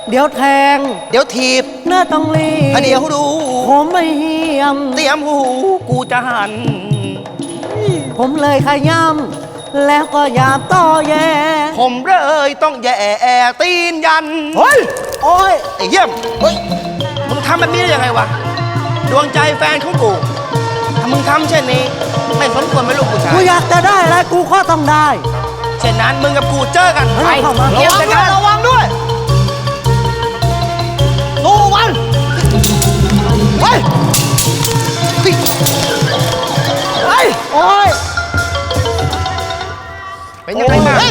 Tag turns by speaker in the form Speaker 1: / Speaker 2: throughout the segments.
Speaker 1: เดี๋ยวแทง
Speaker 2: เดี๋ยวถีบ
Speaker 1: เนื้อต้องรีบ
Speaker 2: เดี๋ยวดู
Speaker 1: ผมไม่เฮียม
Speaker 2: เตรียมหูกูจะหัน
Speaker 1: ผมเลยขย้ำแล้วก็ยามต่อแย่
Speaker 2: ผมเลยต้องแย่ตีนยัน
Speaker 1: เฮ้ยโอ้ย
Speaker 2: ไอ้เยี่ยมเฮ้ยมึงทำแบบนี้ได้ยังไงวะดวงใจแฟนของกูถ้ามึงทำเช่นนี้ไม่สมควรเป็นลูกผู้ชาย
Speaker 1: กูอยากจะได้อะไรกูก็ต้องได้
Speaker 2: เช่นนั้นมึงกับกูเจอกันไประวังด้วยสู้มันเฮ้ยเฮ้ย
Speaker 1: โอ้ย
Speaker 2: เป็นยังไงบ้าง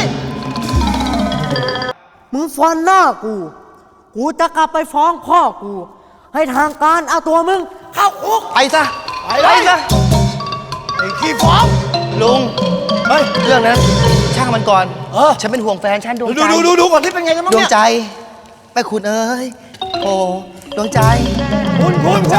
Speaker 1: มึงฟันหน้ากูจะกลับไปฟ้องพ่อกูให้ทางการเอาตัวมึงเข้าคุก
Speaker 2: ไปซะไปซะ
Speaker 1: ไอ้ขี้ฟ้อง
Speaker 2: ลุงเฮ้ยเรื่องนั้นช่างมันก่อนฉันเป็นห่วงแฟนฉันดวงใจ
Speaker 1: ดูก่อนที่เป็นไงกันบ้างเนี่ย
Speaker 2: ดวงใจไปคุณเอ้ยโอ้ดวงใจ
Speaker 1: คุณ
Speaker 2: ใจ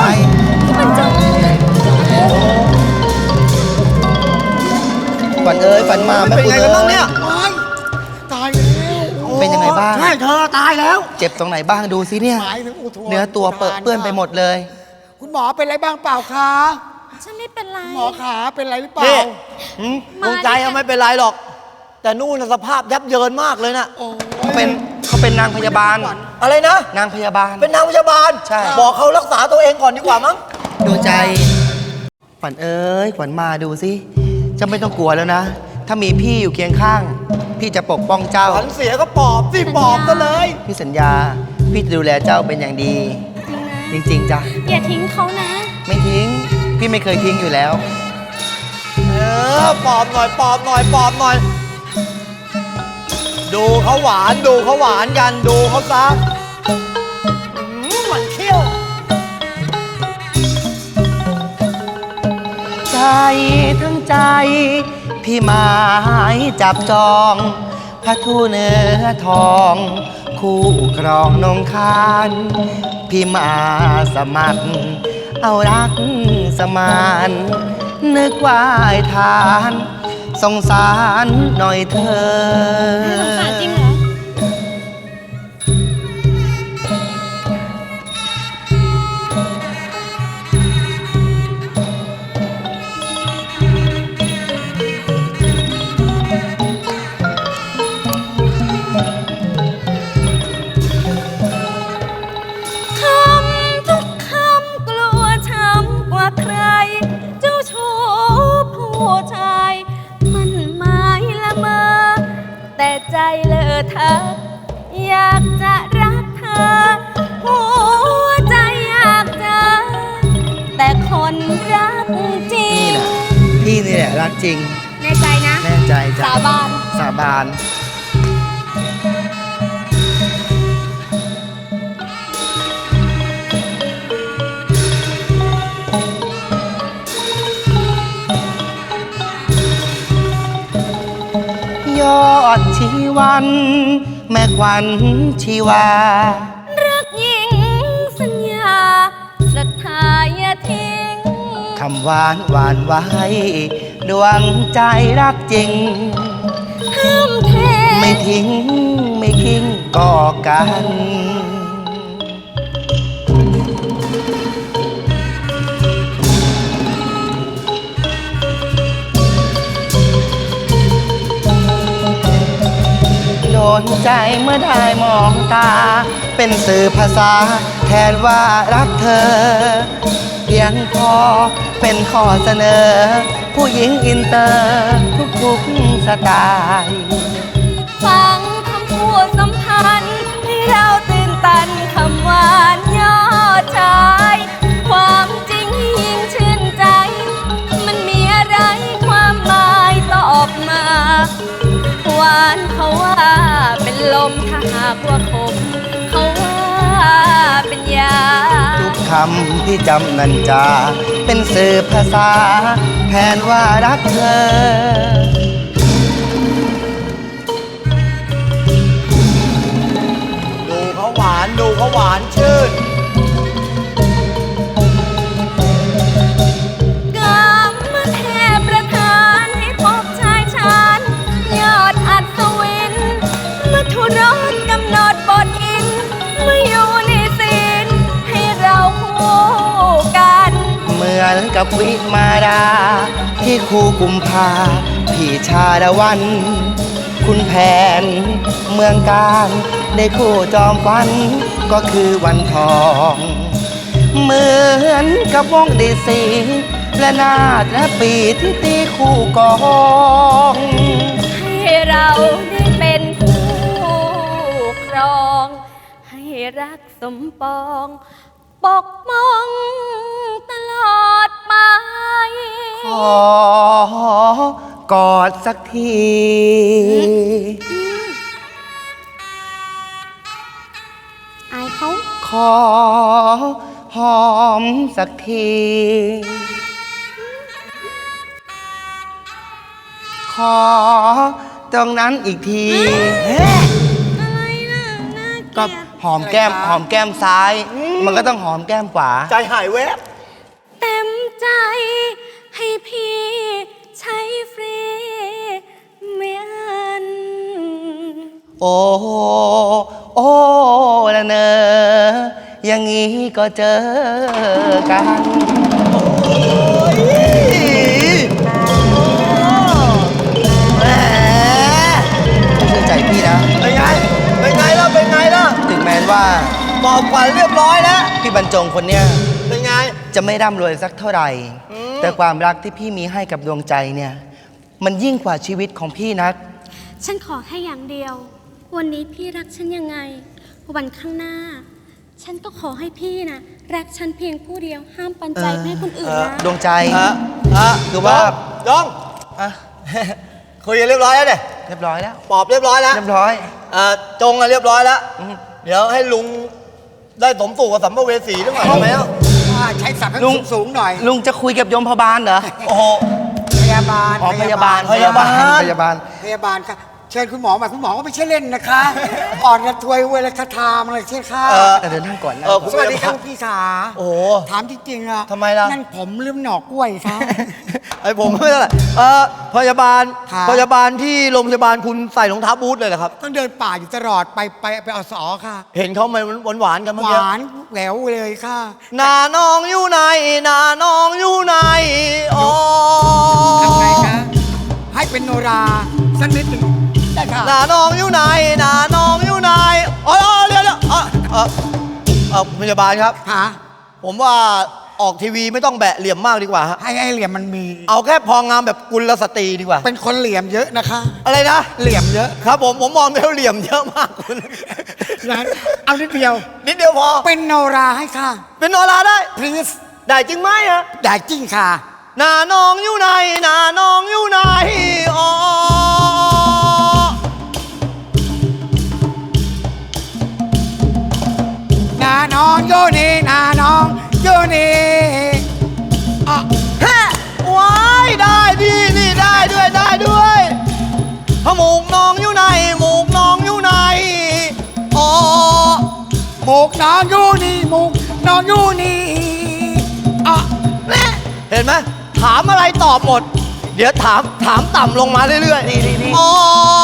Speaker 2: ฝันเอ้ยฝันมาแม่คุณเอ้ย
Speaker 1: ตายแล้ว
Speaker 2: เป็นยังไงบ้าง
Speaker 1: ใช่เธอตายแล้ว
Speaker 2: เจ็บตรงไหนบ้างดูสิเนี่ยเนื้อตัวเปื้อนไปหมดเลย
Speaker 1: คุณหมอเป็นอะไรบ้างเปล่าคะ
Speaker 3: ฉันไม่เป็นไร
Speaker 1: หมอขาเป็นอะไรหรือเปล่าดวงใจไม่เป็นไรหรอกแต่นู่นสภาพยับเยินมากเลยนะ
Speaker 2: เขาเป็นนางพยาบาล
Speaker 1: อะไรนะ
Speaker 2: นางพยาบาล
Speaker 1: เป็นนางพยาบาล
Speaker 2: ใช่
Speaker 1: บอกเขารักษาตัวเองก่อนดีกว่ามั้ง
Speaker 2: ดวงใจขวัญเอ้ยขวัญมาดูสิจะไม่ต้องกลัวแล้วนะถ้ามีพี่อยู่เคียงข้างพี่จะปกป้องเจ้า
Speaker 1: ขวัญเสียก็ปอบสิปอบก็เลย
Speaker 2: พี่สัญญาพี่จะดูแลเจ้าเป็นอย่างดีจริงๆจ้ะ
Speaker 3: อย่าทิ้งเขานะ
Speaker 2: ไม่ทิ้งพี่ไม่เคยทิ้งอยู่แล้ว
Speaker 1: ปอบหน่อยปอบหน่อยปอบหน่อยดูเขาหวานดูเขาหวานกันดูเขาซะมันเขี้ยว
Speaker 2: ใจทั้งใจพี่หมายจับจองพระทูเนื้อทองคู่ครองนงคานพี่มาสมัครเอารักสมานนึกว่าทานสงสารหน่อยเธอ
Speaker 3: สงสารจริงเหรใจเลอะเธออยากจะรักเธอหัวใจอยากเจอแต่คนรักจริง
Speaker 2: พี่นี่แหละรักจริง
Speaker 3: แน่ใจนะ
Speaker 2: แน่ใจจ้ะ
Speaker 3: สาบาน
Speaker 2: สาบานยอดชีวันแม่ขวัญชีวา
Speaker 3: รักยิ่งสัญญาศรัทธาอย่าทิ้ง
Speaker 2: คำหวานหวานไว้ดวงใจรักจริง
Speaker 3: ห้ามเท
Speaker 2: ไม่ทิ้งไม่ทิ้งก่อกันโดนใจเมื่อได้มองตาเป็นสื่อภาษาแทนว่ารักเธอเพียงพอเป็นข้อเสนอผู้หญิงอินเตอร์ทุกสไตล์
Speaker 3: ฟังคำพูดสัมพันธ์ให้เราตื่นตันคำหวานยอดชายความจริงยิ่งชื่นใจมันมีอะไรความหมายตอบมาหวานเขาว่าเป็นลมถ้าหากว่าคมเขาว่าเป็นยา
Speaker 2: ทุกคำที่จำนันจาเป็นสื่อภาษาแทนว่ารักเธอ
Speaker 1: ดูเขาหวานดูเขาหวานชื่น
Speaker 3: รถกำหนดบทอินเมื่อ
Speaker 2: กับวิมาดา ที่คูกุมภาพี่ชาดวัน คุณแผนเมืองการได้คู่จอมฟันก็คือวันทอง เหมือนกับวงดีสีและนาดและปีที่ตีคู่กอง
Speaker 3: ให้เราได้เป็นผู้ครอง ให้รักสมปอง ปกป้องตลอดไป
Speaker 2: ขอกอดสักที
Speaker 3: อายเขา
Speaker 2: ขอหอมสักที ขอตรงนั้นอีกที
Speaker 3: อะไรน่ะน่าเก
Speaker 2: ก็
Speaker 3: ลียด
Speaker 2: หอมแก้มหอมแก้มซ้าย มันก็ต้องหอมแก้มขวา
Speaker 1: ใจหายแวบ
Speaker 3: เต็มใจให้พี่ใช้ฟรีไม่อัน
Speaker 2: โอ้โอ้ละเนอ อย่างนี้ก็เจอกัน แหมเชื่อใจพี่นะ
Speaker 1: เป็นไง เป็นไงล่ะ เป็นไงล่ะ
Speaker 2: ถึงแม้ว่า
Speaker 1: บอกขวัญเรียบร้อยแล้ว
Speaker 2: พี่บรรจงคนเนี้ย
Speaker 1: เป็นไง
Speaker 2: จะไม่ร่ำรวยสักเท่าไหร่ แต่ความรักที่พี่มีให้กับดวงใจเนี่ย มันยิ่งกว่าชีวิตของพี่นัก
Speaker 4: ฉันขอแค่อย่างเดียว วันนี้พี่รักฉันยังไง วันข้างหน้า ฉันก็ขอให้พี่นะรักฉันเพียงผู้เดียว ห้ามปันใจไปให้คนอื่นนะ
Speaker 2: ดวงใจ คือ
Speaker 1: ว่า
Speaker 2: ว่า
Speaker 1: ยอง
Speaker 2: อ่ะ
Speaker 1: คุยกันเรียบร้อยแล้วเนี่ย
Speaker 2: เรียบร้อยแล้ว
Speaker 1: ปอบเรียบร้อยแล้ว
Speaker 2: เรียบร้อย
Speaker 1: จงอะเรียบร้อยแล้ว
Speaker 2: อืม
Speaker 1: เดี๋ยวให้ลุงได้สมสู่กับสัมภเวสีด้วยหน่อยได้ไหมอ่ะ
Speaker 5: ใช้ศัพท์ให้
Speaker 2: ลุง
Speaker 5: สูงๆหน่อย
Speaker 2: ลุงจะคุยกับยมพบาลเหรอ
Speaker 1: โอ้โห
Speaker 5: พยาบาล
Speaker 2: อ๋อพยาบาล
Speaker 1: พยาบาล
Speaker 2: พยาบาล
Speaker 5: พยาบาลค่ะเชิญคุณหมอมาคุณหมอก็ไม่ใช่เล่นนะคะ อ่อนกระทวยเวลาคาทามอะไรใช่ค่ะ
Speaker 2: เดินนั่งก่อนนะ
Speaker 5: สวัสดีครับพี่ขา
Speaker 1: โอ้โห
Speaker 5: ถามจริงๆอ่ะ
Speaker 1: ทำไมล่ะ
Speaker 5: นั่นผมลืมหน่อกล้วยครับ
Speaker 1: ไอผมไม่เท่าไหร่พยาบาล
Speaker 5: ครับ
Speaker 1: พยาบาลที่โรงพยาบาลคุณใส่รองเท้าบูทเลยเหรอครับ
Speaker 5: ต้องเดินป่าอยู่ตลอดไปอสอค่ะ
Speaker 1: เห็นเขามาหวานๆกันเมื่อ
Speaker 5: ห
Speaker 1: กี้
Speaker 5: วานแหววเลยค่ะ
Speaker 1: นาน้องอยู่ไหนนาน้องอยู่ไหนอ๋อ
Speaker 5: ทำไงคะให้เป็นโนราสักนิดหนึ่งได้ค่ะ
Speaker 1: นาน้องอยู่ไหนนาน้องอยู่ไหนอ๋อเดี๋ยวพยาบาลครับ
Speaker 5: หา
Speaker 1: ผมว่าออกทีวีไม่ต้องแบะเหลี่ยมมากดีกว่าฮะ
Speaker 5: ให้เหลี่ยมมันมี
Speaker 1: เอาแค่พองามแบบกุลสตรีดีกว่า
Speaker 5: เป็นคนเหลี่ยมเยอะนะคะ
Speaker 1: อะไรนะ
Speaker 5: เหลี่ยมเยอะ
Speaker 1: ครับผมมองแล้วเหลี่ยมเยอะมากคุณ
Speaker 5: นะเอานิดเดียว
Speaker 1: นิดเดียวพอ
Speaker 5: เป็นโนราให้ค่ะ
Speaker 1: เป็นโนราได้
Speaker 5: please
Speaker 1: ได้จริงไหมฮะ
Speaker 5: ได้จริงค่ะ
Speaker 1: นาน้องอยู่ไหนนาน้องอยู่ไหนอ๋อ
Speaker 5: นาน้องโยนี่นาน้องโยนี่อ่ะ
Speaker 1: แฮ่ว้ายได้ดีนี่ได้ด้วยหมูกน้องอยู่ไหนหมูกน้องอยู่ไหนอ๋อ
Speaker 5: หมกน้องโยนี่หมกน้องโยนี่อ่ะ
Speaker 1: เห็นไหมถามอะไรตอบหมด เดี๋ยวถามต่ำลงมาเรื่อยๆอ๋อ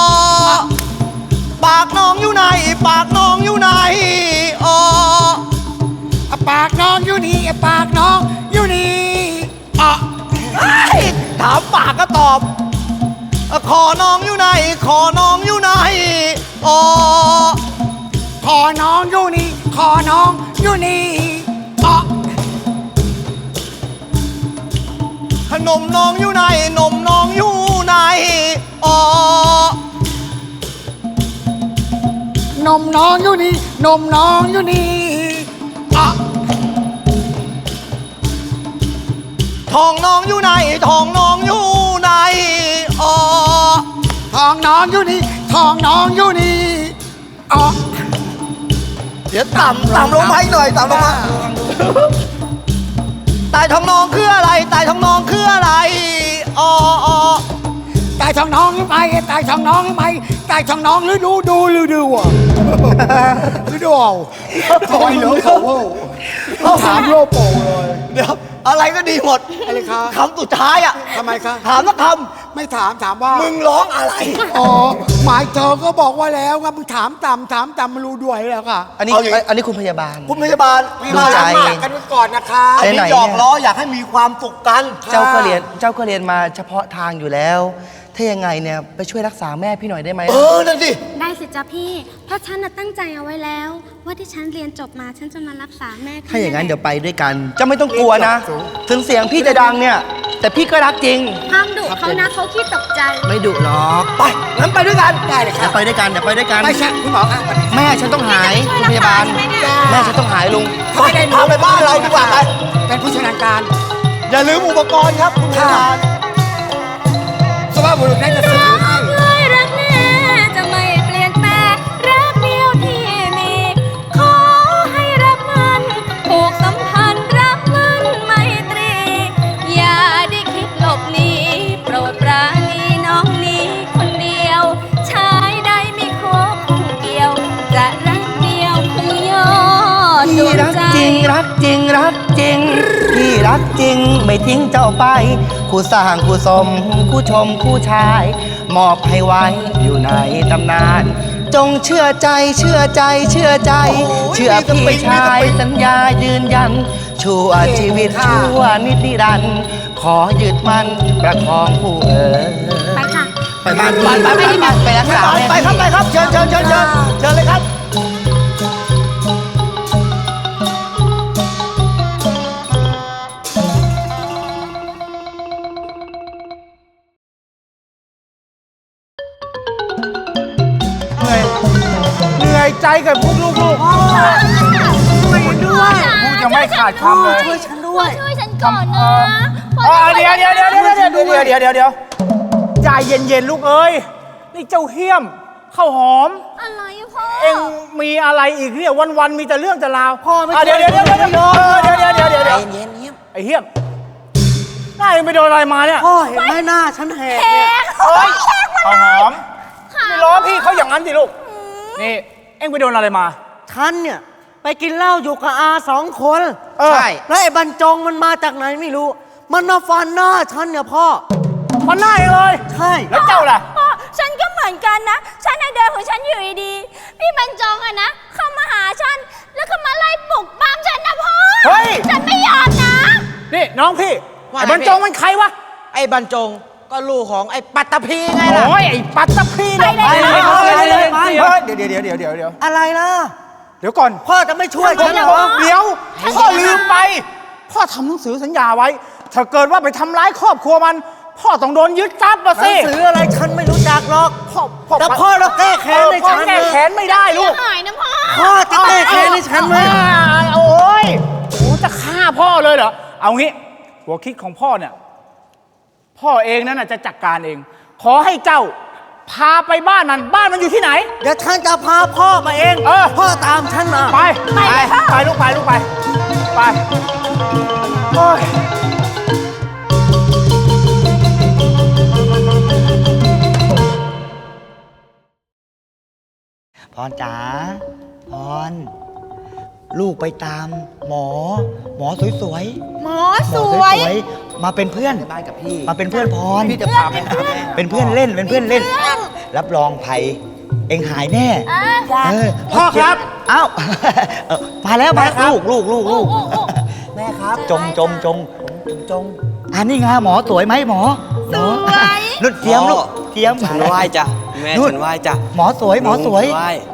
Speaker 1: ปากน้องอยู่ไหนปากน้องอยู่ไหนอ๋อ
Speaker 5: อ่ะปากน้องโยนี่อ่ะปากน้องโยนี่อ่ะ
Speaker 1: เฮ้ยถามปากก็ตอบขอน้องอยู่ไหนขอน้องอยู่ไหนอ๋อ
Speaker 5: ขอน้องโยนี่ขอน้องโยนี่อ่ะ
Speaker 1: ขนมน้องอยู่ไหนนมน้องอยู่ไหนอ๋อน
Speaker 5: มน้องโยนี่นมน้องโยนี่อ่ะ
Speaker 1: ทองน้องอยู่ไหนทองน้องอยู่ไหนอ๋อ
Speaker 5: ทองน้องโยนี่ทองน้องโยนี่อ่ะ
Speaker 1: เดี๋ยวต่ำลงมาอีกหน่อยต่ำลงมาตายทองน้องคืออะไรตายทองน้องคืออะไรอ๋อ
Speaker 5: ตายทองน้องหรือไม่ตายทองน้องหรือไม่ตายทองน้องหรือดูอ่ะหรือดูเอาทอยเหลือเขาถามโลโปเลย
Speaker 1: เดี๋ยวอะไรก็ดีหมด
Speaker 5: อะไรคะ
Speaker 1: คำสุดท้ายอ่ะ
Speaker 5: ทำไมคะ
Speaker 1: ถามสักค
Speaker 5: ไม่ถามถามว่า
Speaker 1: ำมึงร้องอะไร
Speaker 5: อ๋อหมายเธอก็บอกว่าแล้วว่ามึงถามต่ำไม่รู้ด้วยแล้วค่ะ
Speaker 2: อันนี้
Speaker 1: เอาอย่างนี้
Speaker 2: อันนี้คุณพยาบาล
Speaker 1: คุณพยาบาล
Speaker 2: ดูใจ
Speaker 5: มากันก่อนนะคะ
Speaker 1: อัน
Speaker 2: ไหน
Speaker 1: นี้
Speaker 2: ๆ
Speaker 1: หยอกล้ออยากให้มีความสุขกัน
Speaker 2: เจ้าก็เรียนมาเฉพาะทางอยู่แล้ว ถ้ายังไงเนี่ยไปช่วยรักษาแม่พี่หน่อยได้ไหม
Speaker 1: นั่นสิ
Speaker 4: ได้สิจ๊ะพี่ เพราะฉันน่ะตั้งใจเอาไว้แล้ว ว่าที่ฉันเรียนจบมาฉันจะมารักษาแม่พี่
Speaker 2: ถ้าอย่างนั้นเดี๋ยวไปด้วยกันเจะไม่ต้องกลัวนะ ถึงเสียงพี่จะดังเนี่ย แต่พี่ก็รักจริง
Speaker 4: ห้ามดุเขานะเขาขี้ตกใจ
Speaker 2: ไม่ดุหรอก
Speaker 1: ไปงั้นไปด้วยกัน
Speaker 5: ได้เลยค
Speaker 2: เดี๋
Speaker 5: รั
Speaker 2: ย
Speaker 5: บ
Speaker 2: วไปด้วยกันเดี๋ยวไปด้วยกัน
Speaker 5: ไม่ใช่คุณหมอครับ
Speaker 2: แม่ฉันต้องหายคุณพยาบาล แม่ฉันต้องหายลุง
Speaker 1: ไปพาไปบ้านเราดีกว่าไป
Speaker 5: เป็นผู้ชำนาญการ
Speaker 1: อย่าลืมอุปกรณ์ครับคุณพยาบาล
Speaker 5: สภาพบุรุษได้จะซื้อให้
Speaker 3: เลยรักแน่จะไม่เปลี่ยนแปลงรักเดียวที่มี ขอให้รักมันผูกสัมพันธ์รักมันไมตรี อย่าได้คิดหลบหนีโปรดปราณีน้องนี้คนเดียว ชายใดไม่ขอคู่เกี่ยว จะรักเดียวคือยอดด
Speaker 2: พี่
Speaker 3: วง
Speaker 2: รัก
Speaker 3: ใจ
Speaker 2: จริงรักจริงรักจริงพี่รักจริงไม่ทิ้งเจ้าไปคู่สร้างคู่สมคู่ชมคู่ชาย มอบให้ไว้อยู่ในตำนาน จงเชื่อใจเชื่อใจเชื่อใจ เชื่อพี่ชายสัญญายืนยัน ชั่วชีวิตชั่วนิรันดร์ขอยึดมันประคองผู้
Speaker 4: ไปค่ะ
Speaker 2: ไปบ้านพี่ไปรักษาแม่
Speaker 1: ไปครับไปครับเชิญเชิญเชิญเชิญเชิญเลยครับ
Speaker 5: เหนื่อยใจกับพวกลูกไม่ด้วยพูดยังไม่ขาดคำเลย
Speaker 3: ช่วยฉันด้วยช่วยฉันก่อนนะ
Speaker 6: เดี๋ยวใจเย็นๆลูกเอ้ย นี่เจ้าเฮี้ยมข้าวหอม
Speaker 3: อะไรอะพ่อ
Speaker 6: เอ็งมีอะไรอีกเนี่ยวันๆมีแต่เรื่องแต่ราว
Speaker 5: พ่อไม่
Speaker 6: เดี๋ยว
Speaker 5: ช่วย
Speaker 6: เดี๋ยว
Speaker 5: ไม่ยอม
Speaker 2: เย็นเงียบ
Speaker 6: ไอ้เฮี้ยมหน้าเอ็งไปโดนอะไรมาเนี่ย
Speaker 5: พ่อเห็นไหมหน้าฉันแหกเนี่ย
Speaker 6: เฮ้ยข้าวหอมไม่ล้อพี่เขาอย่างนั้นสิลูกนี่เอ็งไปโดนอะไรมา
Speaker 7: ฉันเนี่ยไปกินเหล้าอยู่กับอา2 คน
Speaker 2: ใช่
Speaker 7: แล้วไอ้บรรจงมันมาจากไหนไม่รู้ มันมาฟันหน้าฉันเนี่ยพ่อ
Speaker 6: มันหน้าเองเลย
Speaker 7: ใช่
Speaker 6: แล้วเจ้าล่ะ
Speaker 3: พ่อฉันก็เหมือนกันนะ ฉันน่ะเดินของฉันอยู่ดีๆพี่บรรจงอะนะ เข้ามาหาฉัน แล้วก็มาไล่ปลุกปั้มฉันนะพ่อ
Speaker 6: เฮ้ย
Speaker 3: ฉันไม่ยอมนะ
Speaker 6: นี่น้องพี่
Speaker 2: ว่า
Speaker 6: ไอ้
Speaker 2: ไง
Speaker 6: บรรจงมันใครวะ
Speaker 2: ไอ้บรรจงก็ลูกของไอ้ปัตตภีไงล่ะ
Speaker 6: โอ้ยไอ้ปัตตภีเนี่ย
Speaker 3: ไปเลย
Speaker 6: เดี๋ยว
Speaker 7: อะไรล่ะ
Speaker 6: เดี๋ยวก่อน
Speaker 7: พ่อจะไม่ช่วยฉันเหรอ
Speaker 6: เดี๋ยวพ่อลืมไป พ่อทำหนังสือสัญญาไว้ ถ้าเกิดว่าไปทำร้ายครอบครัวมัน พ่อต้องโดนยึดทรัพย์มา
Speaker 7: หนั
Speaker 6: สิ
Speaker 7: งสืออะไรฉันไม่รู้จักหรอก แต่พ่อเราแก้แค้นให้
Speaker 6: พ่อ
Speaker 7: ฉัน
Speaker 6: แก้แค้นไม่ได้ลูก
Speaker 3: หายนะพ่อ
Speaker 7: พ่อจะแก้แค้นให้ฉันไหม
Speaker 6: โอ้ยโอ้จะฆ่าพ่อเลยเหรอ เอางี้ หัวคิดของพ่อเนี่ย พ่อเองนั่นน่ะจะจัดการเอง ขอให้เจ้า พาไปบ้านมันอยู่ที่ไหน
Speaker 7: เดี๋ยวฉันจะพาพ่อมาเอง
Speaker 6: เออ
Speaker 7: พ่อตามฉันมา
Speaker 6: ไปไปลูกไปไปโอ้ย
Speaker 2: พรจ๋าพรลูกไปตามหมอสวยๆ
Speaker 3: หมอ
Speaker 2: หม
Speaker 3: ส
Speaker 2: อ
Speaker 3: วย
Speaker 2: มาเป็นเพื่อนบ้านกับพี่มาเป็นเพื่อนพรพี่จะพาไปหาเป็นเพื่อนเล่นเป็นเพื่อนเล่น รับรองภัยเอ็งหายแน่พ่อครับเอ้ามาแล้วลูกแม่ครับจงอันนี้ไงหมอสวยไหมหมอนุ่นเทียมลูกเทียม
Speaker 8: ฉันไหว้จ้ะแม่
Speaker 2: นู่น
Speaker 8: ฉันไหว้จ้ะ
Speaker 2: หมอสวย
Speaker 8: ไหว้
Speaker 2: เฮ้ย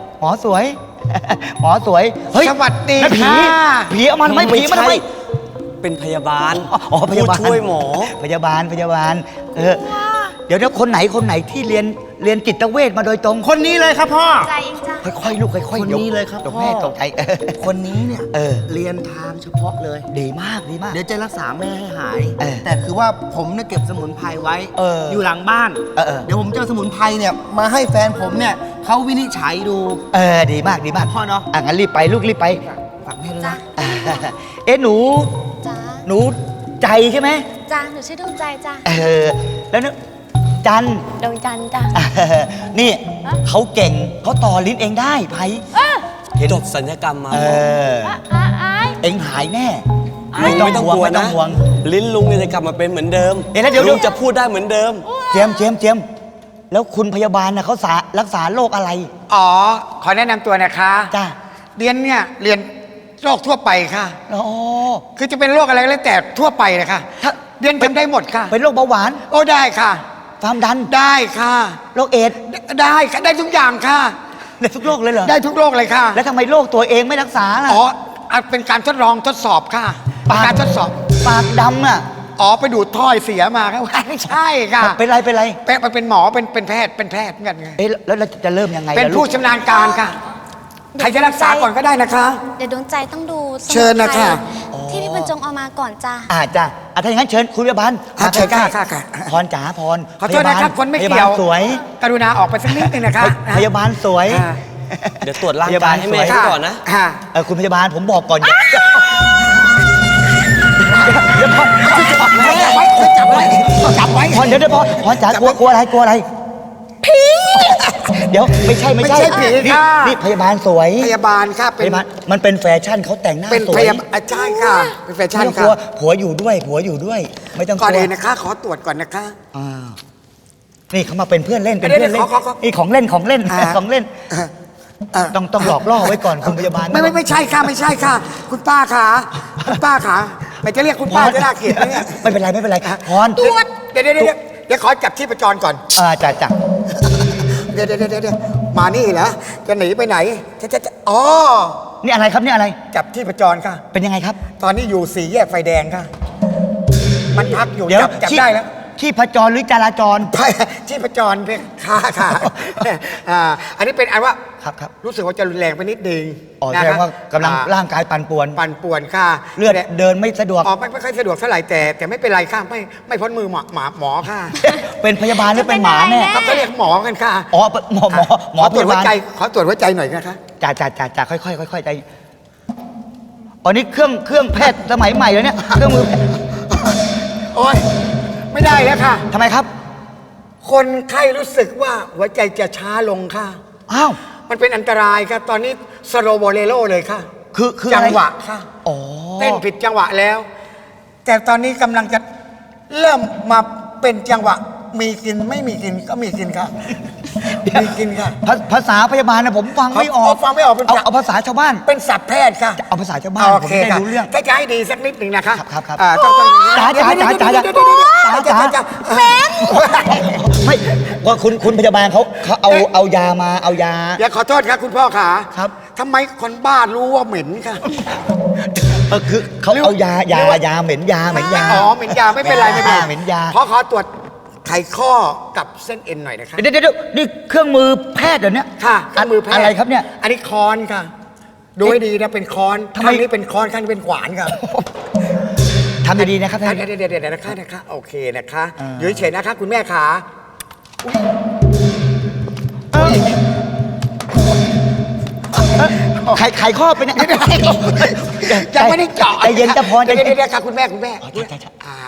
Speaker 5: สวัสดี
Speaker 2: นั่นผี
Speaker 5: ค่ะ
Speaker 2: ผีเอามันไม่ผีมันทำไม
Speaker 8: เป็นพยาบาล
Speaker 2: อ๋อพยาบาล
Speaker 8: ผู้ช่วยหมอ
Speaker 2: พยาบาลเดี๋ยวคนไหนที่เรียนจิตเวชมาโดยตรง
Speaker 6: คนนี้เลยครับพ่อ
Speaker 4: ใจเองจ้ะ
Speaker 2: ค่อยๆลูกค่อยๆ
Speaker 7: คนนี้เลยครับ
Speaker 2: เดี๋ยว
Speaker 7: พ่อ
Speaker 2: แม่ตกใจ
Speaker 7: คนนี้เนี่ย
Speaker 2: เรียน
Speaker 7: ทางเฉพาะเลย
Speaker 2: ดีมาก
Speaker 7: เดี๋ยวจะรักษาแม่ให้หาย
Speaker 2: เออ
Speaker 7: แต่คือว่าผมเนี่ยเก็บสมุนไพรไว้
Speaker 2: อยู่
Speaker 7: หลังบ้าน
Speaker 2: เออ
Speaker 7: เดี๋ยวผมจะเอาสมุนไพรเนี่ยมาให้แฟนผมเนี่ยเขาวินิจฉัยดู
Speaker 2: ดีมาก
Speaker 7: พ่อเนาะ
Speaker 2: งั้นรีบไปลูกรีบไป
Speaker 7: ฝากแม่ด้วย
Speaker 4: จ้ะ
Speaker 7: นะ
Speaker 2: หนู
Speaker 4: จ้า
Speaker 2: หนูใจใช่ไหม
Speaker 4: จ้าหนูชื่อดวงใจจ้า
Speaker 2: แล้วนึกจัน
Speaker 4: ดวงจันทร์จ้า
Speaker 2: นี่เขาเก่งเขาต่อลิ้นเองได้ไพ
Speaker 8: จบสัญญกรรมมา
Speaker 2: เอ็งหายแน่ไม่ต้องห่วงไม่ต้องห่วง
Speaker 8: ลิ้นลุงเนี่ยจะกลับมาเป็นเหมือนเดิม
Speaker 2: เอ๊ะแล้วเดี๋ยว
Speaker 8: ลุงจะพูดได้เหมือนเดิม
Speaker 2: เจมส์แล้วคุณพยาบาลนะเขารักษาโรคอะไร
Speaker 5: อ๋อ ขอแนะนำตัวนะคะ
Speaker 2: จ้า
Speaker 5: เรียนเนี่ยเรียนโรคทั่วไปค่ะ
Speaker 2: อ๋อ
Speaker 5: คือจะเป็นโรคอะไรก็แล้วแต่ทั่วไปเลยค่ะ
Speaker 2: ถ้า
Speaker 5: เรียนทำได้หมดค่ะ
Speaker 2: เป็นโรคเบาหวาน
Speaker 5: โอ้ได้ค่ะ
Speaker 2: ความดัน
Speaker 5: ได้ค่ะ
Speaker 2: โรคเอดส์
Speaker 5: ได้ค่ะได้ทุกอย่างค่ะ
Speaker 2: ได้ทุกโรคเลยเหรอ
Speaker 5: ได้ทุกโรคเลยค่ะ
Speaker 2: แล้วทำไมโรคตัวเองไม่รักษาล่ะ
Speaker 5: อ๋อเป็นการทดลองทดสอบค่ะเป็นการทดสอบ
Speaker 2: ปากดำอ่ะ
Speaker 5: อ๋อไปดูดถ้อยเสียมาครับ ไม่ใช่ค่ะ
Speaker 2: เป็นไร
Speaker 5: เป็นหมอเป็นแพทย์เหมือนกันไง
Speaker 2: เอ๊ะแล้วเราจะเริ่มยังไง
Speaker 5: เป็น
Speaker 2: ล่ะ
Speaker 5: ผู้
Speaker 2: ลูก
Speaker 5: ชำนาญการค่ะ ใครจะรักษาก่อนก็ได้นะคะ
Speaker 4: เดี๋ยวดวงใจต้องดูสมุนไพร
Speaker 5: เชิญนะคะ
Speaker 4: ที่พี่บรรจงเอามาก่อนจ้า
Speaker 2: จ้ะถ้าอย่างนั้นเชิญคุณพยาบาล
Speaker 5: เชิญ
Speaker 2: ใกล้
Speaker 5: ค่ะ
Speaker 2: ๆพรจ๋าพร
Speaker 5: ขอโทษนะครับคนไม่
Speaker 2: พยา
Speaker 5: เกี่
Speaker 2: บา
Speaker 5: ยว
Speaker 2: ลสวย
Speaker 5: กรุณาออกไปสักนิดนึงนะคะ
Speaker 2: พยาบาลสวย
Speaker 5: อ่า
Speaker 8: เดี๋ยวตรวจร่างกายให้แม่
Speaker 2: พยาบาลสวย
Speaker 8: เขาก่อนนะ
Speaker 5: ค่ะ
Speaker 2: คุณพยาบาลผมบอกก่อนเดี๋ยวพร
Speaker 5: จับไว้
Speaker 2: พรเดี๋ยวพรจ๋ากลัวอะไรผีเดี๋ยวไม่ใช่
Speaker 5: ไม่ใช่ผี
Speaker 2: นี่
Speaker 5: ค่ะ
Speaker 2: นี่พยาบาลสวย
Speaker 5: พยาบาลค่ะ
Speaker 2: พ
Speaker 5: เป็น
Speaker 2: ยาบาลมันเป็นแฟชั่นเขาแต่งหน้า
Speaker 5: เป็น
Speaker 2: สว
Speaker 5: พ
Speaker 2: ย
Speaker 5: ยาบาลใช่ค่ะ เป็นแฟชั่น
Speaker 2: ไม่ต้องก
Speaker 5: ค่ะ
Speaker 2: ลัวผัวอยู่ด้วยไม่ต้องก
Speaker 5: ก่อน
Speaker 2: ลัว
Speaker 5: อื่นนะคะ ขอตรวจก่อนนะคะ
Speaker 2: อ่านี่เขามาเป็นเพื่อนเล่น
Speaker 5: เดี๋ยวขอ
Speaker 2: นี่ของเล่น
Speaker 5: อ่า
Speaker 2: ของเล่น ต้องหลอกล่อไว้ก่อนคุณพยาบาล
Speaker 5: ไม่ใช่ค่ะไม่ใช่ค่ะ คุณป้าค่ะคุณป้าค่ะไม่จะเรียกคุณป้าจะน่าเกลียดไหมเนี่ย
Speaker 2: ไม่เป็นไรพร
Speaker 5: ตรวจเดี๋ยวขอจับที่ประจรก่อน
Speaker 2: จ้ะ
Speaker 5: เดี๋ยวมานี่เหรอจะหนีไปไหนจะอ๋อ
Speaker 2: นี่อะไรครับนี่อะไร
Speaker 5: จับที่ประจรค่ะ
Speaker 2: เป็นยังไงครับ
Speaker 5: ตอนนี้อยู่สี่แยกไฟแดงค่ะ มันพักอยู่
Speaker 2: เดี๋ยว
Speaker 5: จับได้แล้ว
Speaker 2: ที่พจรหรือจราจร
Speaker 5: ไปที่ประจรเพียงค่ะอันนี้เป็นอันว่า
Speaker 2: ครับ
Speaker 5: รู้สึกว่าจะรุนแรงไปนิดนึง
Speaker 2: อ๋อแสดงว่ากำลังร่างกายปั่นป่วน
Speaker 5: ปั่นป่วนค่ะ
Speaker 2: เลือดเดินไม่สะดวก
Speaker 5: อ๋อไม่ค่อยสะดวกเท่าไหร่แต่ไม่เป็นไรค่ะไม่พ้นมือหมอค่ะ
Speaker 2: เป็นพยาบาลหรือเป็นหมาแน่
Speaker 5: ครับเขาเรียกหมอกันค่ะ
Speaker 2: อ๋อหมอ
Speaker 5: ขอตรวจหัว
Speaker 2: พยาบาล
Speaker 5: ใจขอตรวจหัวใจหน่อยนะคะ
Speaker 2: จ้ะค่อยใจอ๋อนี่เครื่องแพทย์สมัยใหม่เลยเนี่ยเครื่องมือแพทย์
Speaker 5: โอ้ยไม่ได้แล้วค่ะ
Speaker 2: ทำไมครับ
Speaker 5: คนไข้รู้สึกว่าหัวใจจะช้าลงค่ะ
Speaker 2: อ้าว
Speaker 5: มันเป็นอันตรายครับตอนนี้สโลโบเลโลเลยค่ะ
Speaker 2: คือ
Speaker 5: จั
Speaker 2: อะไร
Speaker 5: งหวะค่ะ
Speaker 2: อ๋อ
Speaker 5: เต้นผิดจังหวะแล้ว แต่ตอนนี้กำลังจะเริ่มมาเป็นจังหวะ มีกินไม่มีกินก็มีกินค่ะมีกินค่ะ
Speaker 2: ภาษาพยาบาลนะผมฟังไม่ออก
Speaker 5: ฟังไม่ออกเป็น
Speaker 2: เอาภาษาชาวบ้าน
Speaker 5: เป็นศัพท์แพทย์ค่ะ
Speaker 2: เอาภาษาชาวบ้าน
Speaker 5: โอ
Speaker 2: ผม
Speaker 5: เค
Speaker 2: จะได้
Speaker 5: ค่ะ
Speaker 2: รู้เรื่อง
Speaker 5: ถ้าจะให้ดีสักนิดหนึ่งนะคะ
Speaker 2: ครับ
Speaker 5: ต้อง
Speaker 2: จ๋า
Speaker 5: เดี๋ยว
Speaker 2: ไม่ว่าคุณพยาบาลเขาเอายามาเอายา
Speaker 5: อย่าขอโทษครับคุณพ่อขา
Speaker 2: ครับ
Speaker 5: ทำไมคนบ้ารู้ว่าเหม็นค่ะ
Speaker 2: คือเขาเอายาเหม็นยา
Speaker 5: อ๋อเหม็นยาไม่เป็นไรไม่เป็นไร
Speaker 2: เหม็นยา
Speaker 5: ขอตรวจไขข้อกับเส้นเอ็นหน่อยนะคะ
Speaker 2: เดี๋ยวนี่เครื่องมือแพทย์เดี๋ยวนี้
Speaker 5: ค่ะเครื่องมือแพทย์
Speaker 2: อะไรครับเนี่ย
Speaker 5: อันนี้ค้อนค่ะ ดูให้ดีนะเป็นค้อน
Speaker 2: ทำไม
Speaker 5: ข้างนี้เป็นค้อนข้างนี้เป็นขวานค่ะ
Speaker 2: ทำดีๆนะครับท่าน
Speaker 5: เดี๋ยวนะคะโอเคนะคะ
Speaker 2: อ่า
Speaker 5: อยู่เฉยๆนะคะ คุณแม่ขา
Speaker 2: ไขข้อเป็นยังไง
Speaker 5: ยังไม่ได้เจาะ
Speaker 2: ใจเย็นจะพร
Speaker 5: เดี๋ยวค่ะคุณแม่
Speaker 2: อ๋อใช่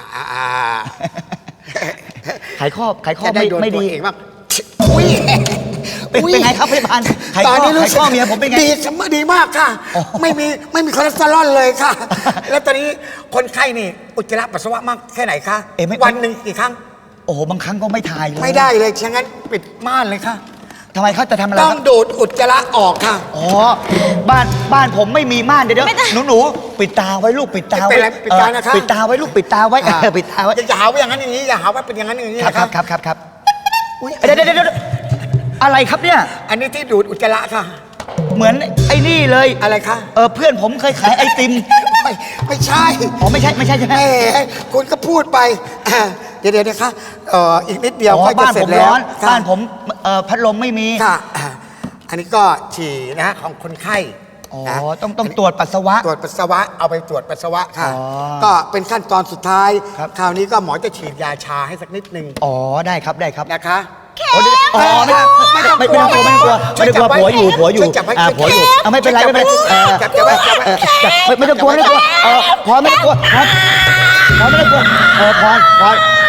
Speaker 2: ไขข้อ
Speaker 5: จะได้โดน
Speaker 2: ไม่
Speaker 5: ตัว
Speaker 2: ดี
Speaker 5: เองบ้างอุ้ย
Speaker 2: เป็นไงครับพยาบาลไข
Speaker 5: ตอน
Speaker 2: ข้อ
Speaker 5: นี้รู้สึก
Speaker 2: เมียผมเป็นไง
Speaker 5: ดีมากค่ะ
Speaker 2: อ๋อ
Speaker 5: ไม่มีคอเลสเตอรอลเลยค่ะ แล้วตอนนี้คนไข้นี่อุจจาระปัสสาวะมากแค่ไหนคะ วันหนึ่งกี่ครั้ง
Speaker 2: โอ้โหบางครั้งก็ไม่ถ่ายเลย
Speaker 5: ไม่ได้เลยฉะนั้นปิดม่านเลยค่ะ
Speaker 2: ทำไมเขาจะทำอะไร
Speaker 5: ต้อ
Speaker 2: ค
Speaker 5: ง
Speaker 2: รับ
Speaker 5: ดูดอุจจาระออกค่ะ
Speaker 2: อ๋อบ้านผมไม่มีม่านเดี๋ยวหนูปิดตาไว้ลูกปิดตา
Speaker 5: ไม่
Speaker 2: ไว้
Speaker 5: เป็นไรปิดตานะคะ
Speaker 2: ปิดตาไว้ลูกปิดตาไว้ปิดตาไว้
Speaker 5: อย่าหาว่าอย่างนั้นอย่างนี้อย่าหาว่าเป็นอย่างนั้นอย่างนี้นะครับ อุ๊ย
Speaker 2: เดี๋ยวอะไรครับเนี่ย
Speaker 5: อันนี้ที่ดูดอุจจาระค่ะ
Speaker 2: เหมือนไอ้นี่เลย
Speaker 5: อะไรคะ
Speaker 2: เพื่อนผมเคยขายไอติม
Speaker 5: ไม่ใช่
Speaker 2: อ๋อไม่ใช่ใช่ไหม
Speaker 5: แหมคุณก็พูดไปเดี๋ยวนะคะอีกนิดเดียว
Speaker 2: อ๋อ
Speaker 5: ก็จะ
Speaker 2: บ้าน
Speaker 5: เสร็
Speaker 2: ผ
Speaker 5: จ
Speaker 2: ม
Speaker 5: แล้ว
Speaker 2: ร้อน
Speaker 5: ค่ะ
Speaker 2: บ้านผมพัดลมไม่มี
Speaker 5: ค่ะอันนี้ก็ฉี่นะฮะของคนไข้
Speaker 2: อ๋อ
Speaker 5: นะ
Speaker 2: ต้องตรวจปัสสาวะ
Speaker 5: ตรวจปัสสาวะเอาไปตรวจปัสสาวะค่ะ
Speaker 2: อ๋อ
Speaker 5: ก็เป็นขั้นตอนสุดท้าย
Speaker 2: ครับ
Speaker 5: คราวนี้ก็หมอจะฉีดยาชาให้สักนิดนึง
Speaker 2: อ๋อได้ครับ
Speaker 5: นะคะ
Speaker 2: อ๋อไม่ต้องกลัวผัวอยู่ผัวอยู่
Speaker 5: ช่วยจับไว้
Speaker 2: ผัวอยู่ไม่เป็นไรไม่เป็นไร
Speaker 5: จับไว้
Speaker 2: ไม่ต้องกลัวพอไม่ต้องกลัวพอไม่ต้องกลัวพร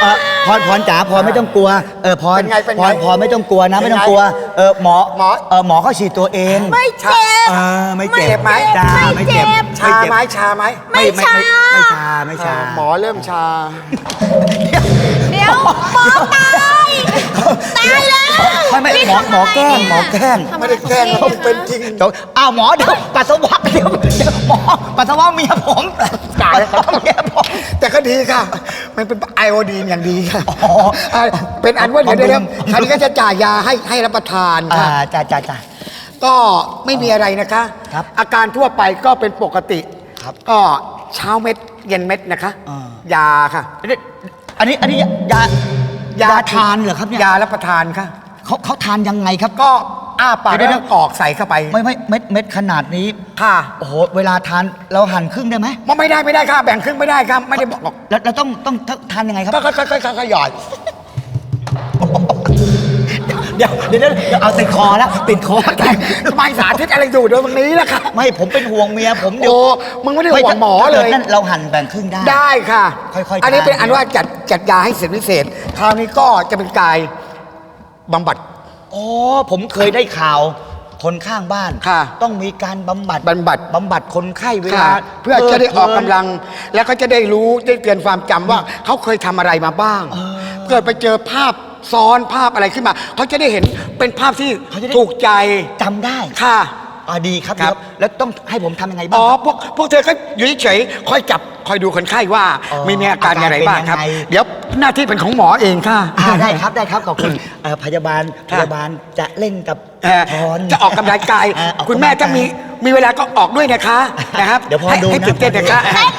Speaker 2: พรจ๋าพรไม่ต้องกลัวพร
Speaker 5: เป็นไงเป็น
Speaker 2: พ
Speaker 5: ไง
Speaker 2: รพรไม่ต้องกลัวนะ
Speaker 5: เป็นไง
Speaker 2: ไม่ต้องกลัวหมอ
Speaker 5: หมอ
Speaker 2: หมอเขาฉีดตัวเอง
Speaker 3: ไม่เจ็บ
Speaker 2: ไม่เจ็บ
Speaker 5: เจ็บไหม
Speaker 2: จ้าไม่เจ็บ
Speaker 5: ชาไหมชาไหม
Speaker 3: ไม่ชา
Speaker 2: ไม่ชา
Speaker 5: หมอเริ่มชา
Speaker 3: เดี๋ยวหมอตายตายแล้ว
Speaker 2: ไม่หมอแกล้ง
Speaker 5: ไม่ได้แกล้งเขาเป็นจริง
Speaker 2: เดี๋ยวอ้าวหมอเดี๋ยวปัสสาวะเดี๋ยวหมอปัสสาวะเมียผมปัสสาวะเมียผม
Speaker 5: แต่ก็ดีค่ะ มันเป็นไอโอดีนอย่างดีค่ะ
Speaker 2: อ๋อ
Speaker 5: เป็นอันว่าเดี๋ยวคราวนี้ก็จะจ่ายยาให้รับประทานค่ะ
Speaker 2: จ้า
Speaker 5: ก็ไม่มีอะไรนะคะ
Speaker 2: ครับ
Speaker 5: อาการทั่วไปก็เป็นปกติ
Speaker 2: ครับ
Speaker 5: ก็เช้าเม็ดเย็นเม็ดนะคะ
Speaker 2: อ่า
Speaker 5: ยาค่ะ
Speaker 2: อันนี้ยาทานเหรอครับเนี่ย
Speaker 5: ยารับประทานค่ะ
Speaker 2: เขาทานยังไงครับ
Speaker 5: ก็อ้าปาก
Speaker 2: เดี๋ยว
Speaker 5: แล้วกรอกใส่เข้าไป
Speaker 2: ไม่เม็ดขนาดนี้
Speaker 5: ค่ะ
Speaker 2: โอ้โหเวลาทานเราหั่นครึ่งได้ไหม
Speaker 5: ไม่ได้ค่ะ แบ่งครึ่งไม่ได้ครับ ไม่ได้บอก
Speaker 2: แล้วเราต้องทานยังไงครับ
Speaker 5: ก็ค่อยหยอด
Speaker 2: เดี๋ยวเอาติดคอแล้วติดคอ
Speaker 5: ไม่สาธิตอะไรอยู่เดี๋ยวตรงนี้แหละค่ะ
Speaker 2: ไม่ผมเป็นห่วงเมียผมเดี๋ยว
Speaker 5: โอ้มึงไม่ได้ห่วงหมอเลย
Speaker 2: นั่นเราหั่นแบ่งครึ่งได้
Speaker 5: ได้ค่ะ
Speaker 2: ค่อยๆ
Speaker 5: อันนี้เป็น
Speaker 2: ทาน
Speaker 5: อันว่าจัดยาให้เสร็จพิเศษ คราวนี้ก็จะเป็นกายบำบัด
Speaker 2: อ๋อผมเคยได้ข่าวคนข้างบ้าน
Speaker 5: ค่ะ
Speaker 2: ต้องมีการบำบัด
Speaker 5: บำบัด
Speaker 2: คนไข้เวลา
Speaker 5: ค่ะเพื่อจะได้ออกกำลัง แล้วก็จะได้รู้ได้เตือนความจำว่าเขาเคยทำอะไรมาบ้าง เกิดไปเจอภาพซ้อนภาพอะไรขึ้นมาเขาจะได้เห็นเป็นภาพที่
Speaker 2: เขาจะได้
Speaker 5: ถูกใจ
Speaker 2: จำได้
Speaker 5: ค่ะ
Speaker 2: ดีครับ
Speaker 5: ครับ
Speaker 2: แล้วต้องให้ผมทำยังไงบ้าง
Speaker 5: อ๋อ
Speaker 2: ครับ
Speaker 5: พวกเธอก็อยู่เฉยๆคอยจับคอยดูคนไข้ว่า
Speaker 2: อ๋อ
Speaker 5: มีอาการอะไรบ้างครับ
Speaker 2: อาการเป็นยังไง
Speaker 5: เดี๋ยวหน้าที่เป็นของหมอเองค่ะ
Speaker 2: ได้ครับขอบคุณพยาบาลจะเล่นกับ พร
Speaker 5: จะออกกำลังกาย
Speaker 2: ออกกำลังกาย
Speaker 5: คุณแม่ถ้ามีเวลาก็ออกด้วยนะคะนะครับ
Speaker 2: เดี๋ยวพร
Speaker 5: ให้
Speaker 2: ดู
Speaker 5: ให้
Speaker 2: นะ
Speaker 5: ตื่นเต้นนะคะ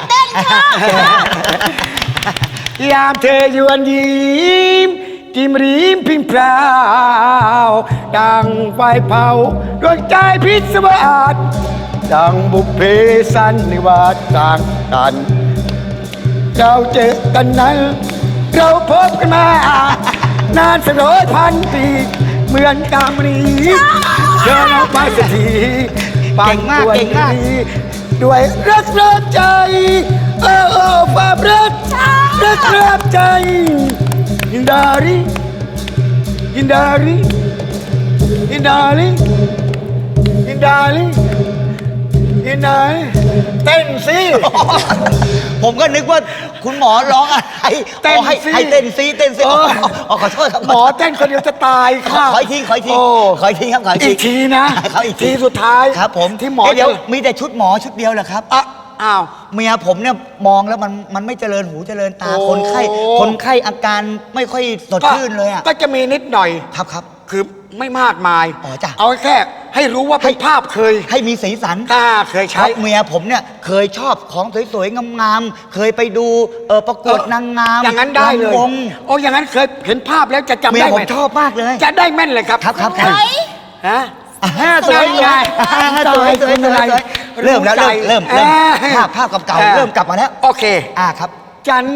Speaker 5: ยามเธอยวนยิ้มจิ้มริมพิมพราวดังไฟเผาดวงใจพิศวาสดังบุพเพสันนิวาสต่างกัน เราเจอกันนั้น เราพบกันมานานสัก100,000 ปีเหมือนกามรีเดินออกไปสักที
Speaker 2: เก่งมาก
Speaker 5: บง
Speaker 2: เก่งมาก
Speaker 5: ดีด้วยรักใจความรักใจยินดาริยินดาริยินดาริยินดาริยินดาริเต้นสิ
Speaker 2: ผมก็นึกว่าคุณหมอร้องอะไร
Speaker 5: เต้น
Speaker 2: อ๋อให้
Speaker 5: สิ
Speaker 2: ให้เต้นซิ
Speaker 5: เออ
Speaker 2: ขอโทษครับ
Speaker 5: หมอเต้นคนเดียวจะตายค่ะ
Speaker 2: ขออีกที
Speaker 5: โอ้
Speaker 2: ขออีกทีครับขออีกที
Speaker 5: อีกทีนะ
Speaker 2: ขออีกที
Speaker 5: ทีสุดท้าย
Speaker 2: ครับผม
Speaker 5: ที่หมอ
Speaker 2: เดี๋ยว
Speaker 5: จะ
Speaker 2: มีแต่ชุดหมอชุดเดียวเหรอครับ
Speaker 5: อ้าว
Speaker 2: เมียผมเนี่ยมองแล้วมันไม่เจริญหูเจริญตา
Speaker 5: โอ้
Speaker 2: คนไข้อาการไม่ค่อยสดชื่นเลยอ่ะ
Speaker 5: ก็จะมีนิดหน่อย
Speaker 2: ครับ
Speaker 5: คือไม่มากมาย
Speaker 2: อ๋อจ้ะ
Speaker 5: เอาแค่ให้รู้ว่าเป็นภาพเคย
Speaker 2: ให้มีสีสัน
Speaker 5: เคย
Speaker 2: เพ
Speaker 5: ใช้
Speaker 2: ราะเมียผมเนี่ยเคยชอบของสวยๆงามๆเคยไปดูประกวดนางงาม
Speaker 5: อย่างนั้นได้เลย
Speaker 2: รำวง
Speaker 5: โอ้อย่างนั้นเคยเห็นภาพแล้วจะจำ
Speaker 2: เมีย
Speaker 5: ได้
Speaker 2: ผ
Speaker 5: ไหม
Speaker 2: มชอบมากเลย
Speaker 5: จะได้แม่นเลยครับ
Speaker 2: ครับ
Speaker 5: ฮะ
Speaker 2: สวย
Speaker 5: ไง
Speaker 2: สวยเริ่มแล้วเริ่มภาพเก่าๆเริ่มกลับมาแล้ว
Speaker 5: โอเค
Speaker 2: ครับ
Speaker 5: จัน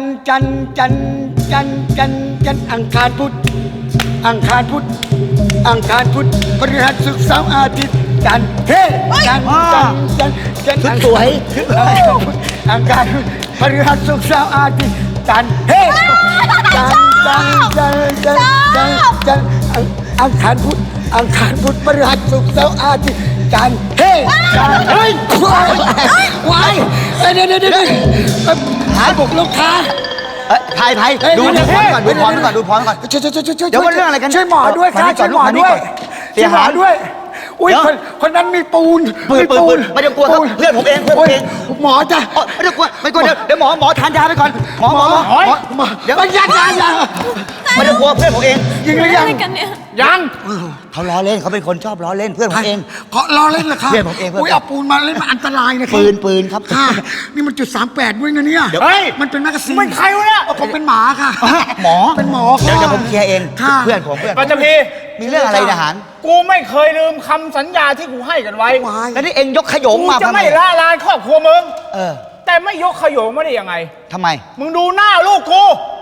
Speaker 5: อังคารพุธพฤหัสศุกร์เสาร์อาทิตย์จันทร์เฮ้จันทร์
Speaker 2: ชุดสวย
Speaker 5: อังคารพุธพฤหัสศุกร์เสาร์อาทิตย์จันทร์เฮ้จันทร์อังคารพุธพฤหัสศุกร์เสาร์อาทิตย์จันทร์เฮ้เฮ้ยวายเดี๋ยวหายบุกลูกค้า
Speaker 2: ไผ่ดูพรก่อนเดี๋ยวมันเรื่องอะไรกัน
Speaker 5: ช่วยหมอด้วยค่ะช่วยหมอด้วย
Speaker 2: เสียหาย
Speaker 5: ด้วยอุ้ยคนนั้นมีปูน
Speaker 2: ปืนไม่ต้องกลัวครับเพื่อนผมเอง
Speaker 5: หมอจ้ะ
Speaker 2: ไม่ต้องกลัวไม่กลัวเดี๋ยวหมอทานยาไปก่อนหมอเดี๋ยว
Speaker 5: ยา
Speaker 2: ไม่ต้องกลัวเพื่อนผมเอง
Speaker 5: ยิงหรือยัง
Speaker 3: อะไรกันเนี่ย
Speaker 6: ยัง
Speaker 2: เขาล้อเล่นเขาเป็นคนชอบล้อเล่นเพื่อนผมเอง
Speaker 5: เขาล้อเล่นเหรอคะ
Speaker 2: เพื่อนผมเอง
Speaker 5: อุ้ยเอาปูนมาเล่นมันอันตรายนะ
Speaker 2: ปืนครับ
Speaker 5: ค่ะนี่มันจุด38ด้วยนะเนี่ย
Speaker 6: เฮ้ย
Speaker 5: มันเป็นแมกกาซีน
Speaker 6: มันใครวะเนี่ย
Speaker 5: ผมเป็นหมาค่ะ
Speaker 2: หมอ
Speaker 5: เป็นหมอ
Speaker 2: เดี๋ยวผมเคลียร์เอง
Speaker 5: ค่ะ
Speaker 2: เพื่อนผม
Speaker 6: ปัจจุพี
Speaker 2: มีเรื่องอะไรทหาร
Speaker 6: กูไม่เคยลืมคำสัญญาที่กูให้กันไว้
Speaker 2: แล้วนี่เองยกขยง
Speaker 6: กู
Speaker 2: มา
Speaker 6: จะ
Speaker 2: ทำไม
Speaker 6: ไม่ละลานครอบครัวมึง
Speaker 2: เออ
Speaker 6: แต่ไม่ยกขยงไม่ได้ยังไง
Speaker 2: ทำไม
Speaker 6: มึงดูหน้าลูกกู